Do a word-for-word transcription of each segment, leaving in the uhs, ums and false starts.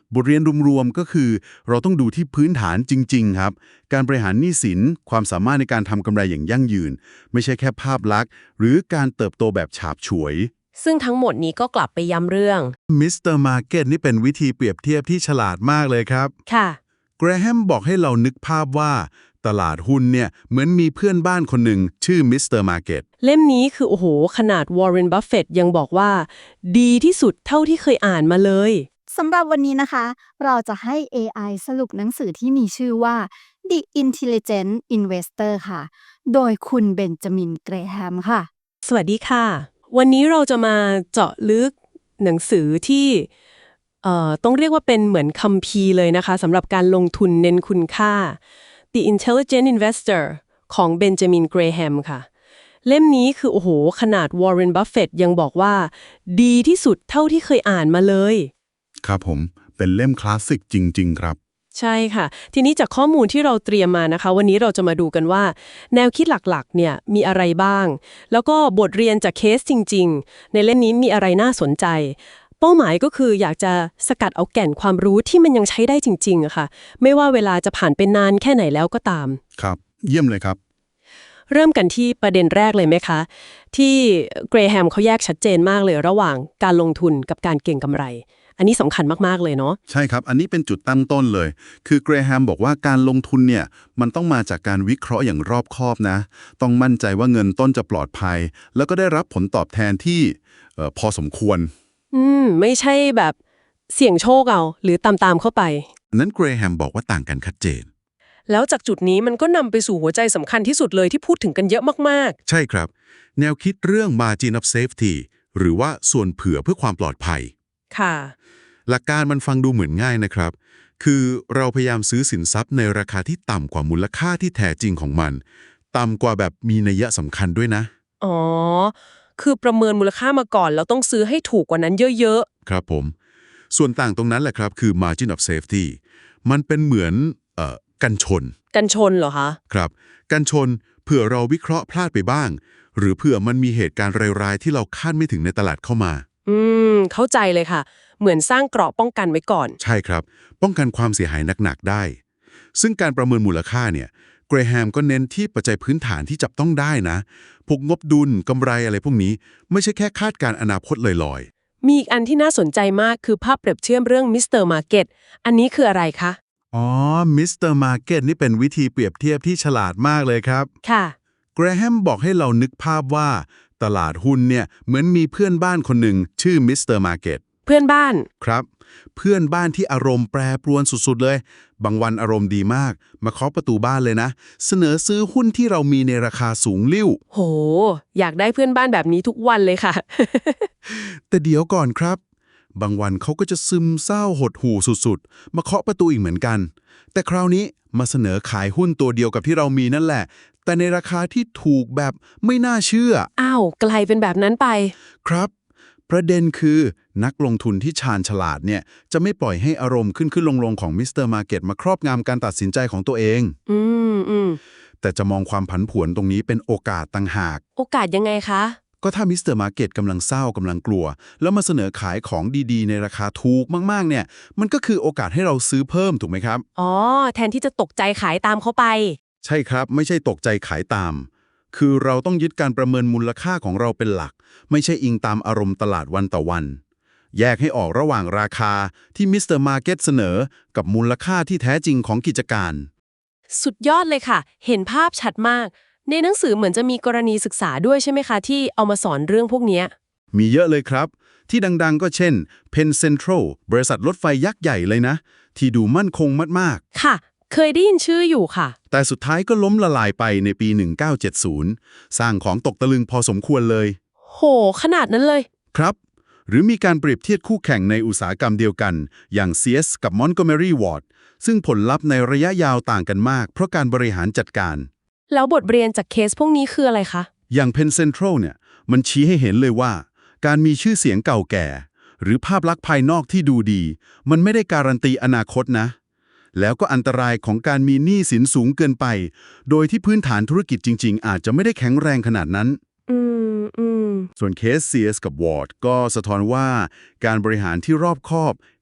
บทเรียนรวมๆก็คือเราต้องดูที่พื้นฐานจริงๆครับการบริหารหนี้สินความสามารถในการทำกำไรอย่างยั่งยืนไม่ใช่แค่ภาพลักษณ์หรือการเติบโตแบบฉาบฉวยซึ่งทั้งหมดนี้ก็กลับไปย้ำเรื่องมิสเตอร์มาร์เก็ตนี่เป็นวิธีเปรียบเทียบที่ฉลาดมากเลยครับค่ะแกรแฮมบอกให้เรานึกภาพว่าตลาดหุ้นเนี่ยเหมือนมีเพื่อนบ้านคนหนึ่งชื่อมิสเตอร์มาร์เก็ตเล่มนี้คือโอ้โหขนาดวอร์เรนบัฟเฟตต์ยังบอกว่าดีที่สุดเท่าที่เคยอ่านมาเลยสำหรับวันนี้นะคะเราจะให้ เอ ไอ สรุปหนังสือที่มีชื่อว่า The Intelligent Investor ค่ะโดยคุณเบนจามินเกรแฮมค่ะสวัสดีค่ะวันนี้เราจะมาเจาะลึกหนังสือที่เอ่อต้องเรียกว่าเป็นเหมือนคัมภีร์เลยนะคะสำหรับการลงทุนเน้นคุณค่า The Intelligent Investor ของเบนจามินเกรแฮมค่ะเล่มนี้คือโอ้โหขนาดวอร์เรนบัฟเฟตต์ยังบอกว่าดีที่สุดเท่าที่เคยอ่านมาเลยครับผมเป็นเล่มคลาสสิกจริงๆครับใช่ค่ะทีนี้จากข้อมูลที่เราเตรียมมานะคะวันนี้เราจะมาดูกันว่าแนวคิดหลักๆเนี่ยมีอะไรบ้างแล้วก็บทเรียนจากเคสจริงๆในเล่มนี้มีอะไรน่าสนใจเป้าหมายก็คืออยากจะสกัดเอาแก่นความรู้ที่มันยังใช้ได้จริงๆอะค่ะไม่ว่าเวลาจะผ่านไปนานแค่ไหนแล้วก็ตามครับเยี่ยมเลยครับเริ่มกันที่ประเด็นแรกเลยไหมคะที่เกรแฮมเขาแยกชัดเจนมากเลยระหว่างการลงทุนกับการเก็งกำไรอันนี้สำคัญมากๆเลยเนาะใช่ครับอันนี้เป็นจุดตั้งต้นเลยคือเกรแฮมบอกว่าการลงทุนเนี่ยมันต้องมาจากการวิเคราะห์อย่างรอบคอบนะต้องมั่นใจว่าเงินต้นจะปลอดภัยแล้วก็ได้รับผลตอบแทนที่เอ่อพอสมควรอืมไม่ใช่แบบเสี่ยงโชคเอาหรือตามๆเข้าไปนั้นเกรแฮมบอกว่าต่างกันชัดเจนแล้วจากจุดนี้มันก็นำไปสู่หัวใจสำคัญที่สุดเลยที่พูดถึงกันเยอะมากใช่ครับแนวคิดเรื่อง margin of safety หรือว่าส่วนเผื่อเพื่อความปลอดภัยๆค่ะหลักการมันฟังดูเหมือนง่ายนะครับคือเราพยายามซื้อสินทรัพย์ในราคาที่ต่ำกว่ามูลค่าที่แท้จริงของมันต่ำกว่าแบบมีนัยสำคัญด้วยนะอ๋อคือประเมินมูลค่ามาก่อนแล้วต้องซื้อให้ถูกกว่านั้นเยอะๆครับผมส่วนต่างตรงนั้นแหละครับคือ margin of safety มันเป็นเหมือนเอ่อกันชนกันชนเหรอคะครับกันชนเผื่อเราวิเคราะห์พลาดไปบ้างหรือเผื่อมันมีเหตุการณ์ร้ายๆที่เราคาดไม่ถึงในตลาดเข้ามาอืมเข้าใจเลยค่ะเหมือนสร้างเกราะป้องกันไว้ก่อนใช่ครับป้องกันความเสียหายหนักๆได้ซึ่งการประเมินมูลค่าเนี่ยเกรแฮมก็เน้นที่ปัจจัยพื้นฐานที่จับต้องได้นะพวกงบดุลกำไรอะไรพวกนี้ไม่ใช่แค่คาดการณ์อนาคตลอยมีอีกอันที่น่าสนใจมากคือภาพเปรียบเทียบเรื่องมิสเตอร์มาร์เก็ตอันนี้คืออะไรคะๆอ๋อมิสเตอร์มาร์เก็ตนี่เป็นวิธีเปรียบเทียบที่ฉลาดมากเลยครับค่ะเกรแฮมบอกให้เรานึกภาพว่าตลาดหุ้นเนี่ยเหมือนมีเพื่อนบ้านคนหนึ่งชื่อมิสเตอร์มาร์เก็ตเพื่อนบ้านครับเพื่อนบ้านที่อารมณ์แปรปรวนสุดๆเลยบางวันอารมณ์ดีมากมาเคาะประตูบ้านเลยนะเสนอซื้อหุ้นที่เรามีในราคาสูงลิ่วโหอยากได้เพื่อนบ้านแบบนี้ทุกวันเลยค่ะแต่เดี๋ยวก่อนครับบางวันเขาก็จะซึมเศร้าหดหู่สุดๆมาเคาะประตูอีกเหมือนกันแต่คราวนี้มาเสนอขายหุ้นตัวเดียวกับที่เรามีนั่นแหละแต่ในราคาที่ถูกแบบไม่น่าเชื่ออ้าวไกลเป็นแบบนั้นไปครับประเด็นคือนักลงทุนที่ชาญฉลาดเนี่ยจะไม่ปล่อยให้อารมณ์ขึ้นขึ้นลงลงของมิสเตอร์มาร์เก็ตมาครอบงำการตัดสินใจของตัวเองอืมอืมแต่จะมองความผันผวนตรงนี้เป็นโอกาสต่างหากโอกาสยังไงคะก็ถ้ามิสเตอร์มาร์เก็ตกำลังเศร้ากำลังกลัวแล้วมาเสนอขายของดีๆในราคาถูกมากๆเนี่ยมันก็คือโอกาสให้เราซื้อเพิ่มถูกไหมครับอ๋อแทนที่จะตกใจขายตามเขาไปใช่ครับไม่ใช่ตกใจขายตามคือเราต้องยึดการประเมินมูลค่าของเราเป็นหลักไม่ใช่อิงตามอารมณ์ตลาดวันต่อวันแยกให้ออกระหว่างราคาที่มิสเตอร์มาร์เก็ตเสนอกับมูลค่าที่แท้จริงของกิจการสุดยอดเลยค่ะเห็นภาพชัดมากในหนังสือเหมือนจะมีกรณีศึกษาด้วยใช่ไหมคะที่เอามาสอนเรื่องพวกนี้มีเยอะเลยครับที่ดังๆก็เช่น Penn Central บริษัทรถไฟยักษ์ใหญ่เลยนะที่ดูมั่นคงมากๆค่ะเคยได้ยินชื่ออยู่ค่ะแต่สุดท้ายก็ล้มละลายไปในปีหนึ่งเก้าเจ็ดศูนย์สร้างของตกตะลึงพอสมควรเลยโหขนาดนั้นเลยครับหรือมีการเปรียบเทียบคู่แข่งในอุตสาหกรรมเดียวกันอย่าง ซี เอส กับ Montgomery Ward ซึ่งผลลัพธ์ในระยะยาวต่างกันมากเพราะการบริหารจัดการแล้วบทเรียนจากเคสพวกนี้คืออะไรคะอย่าง Penn Central เนี่ยมันชี้ให้เห็นเลยว่าการมีชื่อเสียงเก่าแก่หรือภาพลักษณ์ภายนอกที่ดูดีมันไม่ได้การันตีอนาคตนะแล้วก็อันตรายของการมีหนี้สินสูงเกินไปโดยที่พื้นฐานธุรกิจจริงๆอาจจะไม่ได้แข็งแรงขนาดนั้นอืมอืมส่วนเคส ซี เอส กับ Ward ก็สะท้อนว่าการบริหารที่รอบคอบ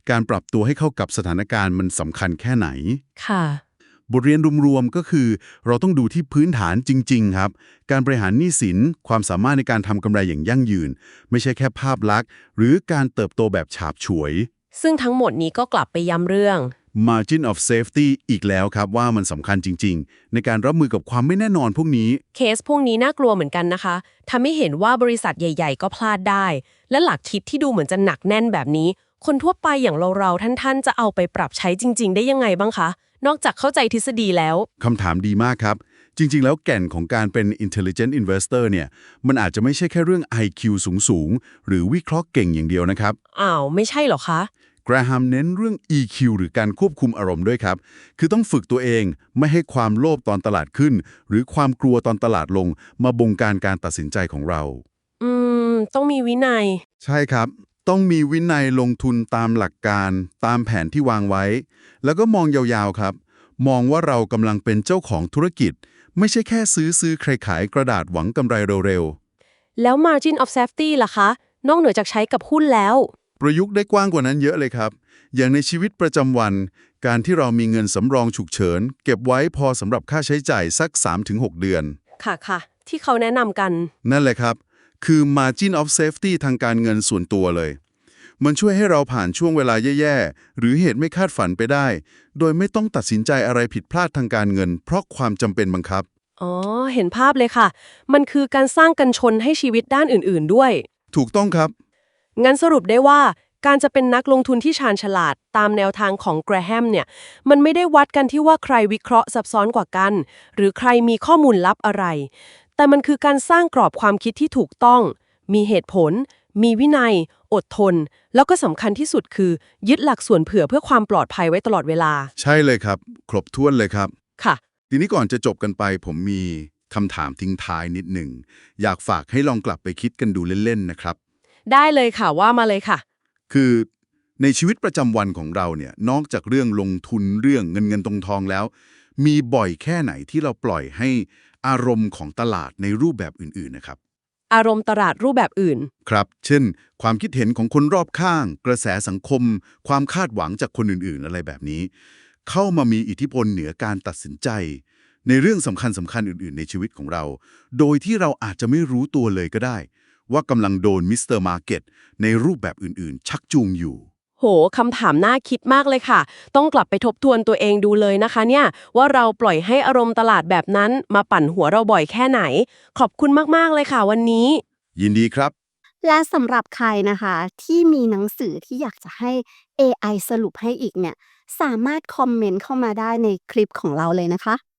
การปรับตัวให้เข้ากับสถานการณ์มันสำคัญแค่ไหนค่ะบทเรียนรวมๆก็คือเราต้องดูที่พื้นฐานจริงๆครับการบริหารหนี้สินความสามารถในการทำกำไรอย่างยั่งยืน ไม่ใช่แค่ภาพลักษณ์หรือการเติบโตแบบฉาบฉวยซึ่งทั้งหมดนี้ก็กลับไปย้ำเรื่อง margin of safety อีกแล้วครับว่ามันสำคัญจริงๆ ในการรับมือกับความไม่แน่นอนพวกนี้เคสพวกนี้น่ากลัวเหมือนกันนะคะทำให้เห็นว่าบริษัทใหญ่ๆ ก็พลาดได้ และหลักคิดที่ดูเหมือนจะหนักแน่นแบบนี้ คนทั่วไปอย่างเราๆท่านๆ จะเอาไปปรับใช้จริงๆ ได้ยังไงบ้างคะ นอกจากเข้าใจทฤษฎีแล้วคำถามดีมากครับ จริงๆ แล้วแก่นของการเป็น intelligent investor เนี่ยมันอาจจะไม่ใช่แค่เรื่อง ไอ คิว สูงๆ หรือวิเคราะห์เก่งอย่างเดียวนะครับอ้าวไม่ใช่เหรอคะแกรแฮมเน้นเรื่อง อี คิว หรือการควบคุมอารมณ์ด้วยครับ คือต้องฝึกตัวเองไม่ให้ความโลภตอนตลาดขึ้น หรือความกลัวตอนตลาดลง มาบงการการตัดสินใจของเราอืม ต้องมีวินัยใช่ครับ ต้องมีวินัยลงทุนตามหลักการ ตามแผนที่วางไว้ แล้วก็มองยาวๆครับ มองว่าเรากำลังเป็นเจ้าของธุรกิจ ไม่ใช่แค่ซื้อซื้อใครขายกระดาษหวังกำไรเร็วๆแล้ว margin of safety ล่ะคะ นอกเหนือจากใช้กับหุ้นแล้วประยุกต์ได้กว้างกว่านั้นเยอะเลยครับ อย่างในชีวิตประจำวัน การที่เรามีเงินสำรองฉุกเฉิน เก็บไว้พอสำหรับค่าใช้จ่ายสัก สามถึงหก เดือนค่ะค่ะ ที่เขาแนะนำกันนั่นแหละครับ คือ margin of safety ทางการเงินส่วนตัวเลย มันช่วยให้เราผ่านช่วงเวลาแย่ๆ หรือเหตุไม่คาดฝันไปได้ โดยไม่ต้องตัดสินใจอะไรผิดพลาดทางการเงิน เพราะความจำเป็นบังคับอ๋อ เห็นภาพเลยค่ะ มันคือการสร้างกันชนให้ชีวิตด้านอื่นๆด้วยถูกต้องครับงั้นสรุปได้ว่าการจะเป็นนักลงทุนที่ชาญฉลาดตามแนวทางของแกรแฮมเนี่ยมันไม่ได้วัดกันที่ว่าใครวิเคราะห์ซับซ้อนกว่ากัน หรือใครมีข้อมูลลับอะไร แต่มันคือการสร้างกรอบความคิดที่ถูกต้อง มีเหตุผล มีวินัย อดทน แล้วก็สำคัญที่สุดคือ ยึดหลักส่วนเผื่อเพื่อความปลอดภัยไว้ตลอดเวลาใช่เลยครับ ครบถ้วนเลยครับค่ะทีนี้ก่อนจะจบกันไปผมมีคำถามทิ้งท้ายนิดหนึ่งอยากฝากให้ลองกลับไปคิดกันดูเล่นๆนะครับได้เลยค่ะว่ามาเลยค่ะคือในชีวิตประจำวันของเราเนี่ยนอกจากเรื่องลงทุนเรื่องเงินเงินตรงทองแล้ว มีบ่อยแค่ไหนที่เราปล่อยให้อารมณ์ของตลาดในรูปแบบอื่นๆนะครับอารมณ์ตลาดรูปแบบอื่นครับ เช่น ความคิดเห็นของคนรอบข้าง กระแสสังคม ความคาดหวังจากคนอื่นๆ อะไรแบบนี้ เข้ามามีอิทธิพลเหนือการตัดสินใจ ในเรื่องสำคัญสำคัญอื่นๆ ในชีวิตของเรา โดยที่เราอาจจะไม่รู้ตัวเลยก็ได้ ว่ากำลังโดนมิสเตอร์มาร์เก็ตในรูปแบบอื่นๆ ชักจูงอยู่โห คำถามน่าคิดมากเลยค่ะ ต้องกลับไปทบทวนตัวเองดูเลยนะคะเนี่ยว่าเราปล่อยให้อารมณ์ตลาดแบบนั้นมาปั่นหัวเราบ่อยแค่ไหน ขอบคุณมากๆเลยค่ะวันนี้ยินดีครับและสำหรับใครนะคะที่มีหนังสือที่อยากจะให้ เอ ไอ สรุปให้อีกเนี่ยสามารถคอมเมนต์เข้ามาได้ในคลิปของเราเลยนะคะ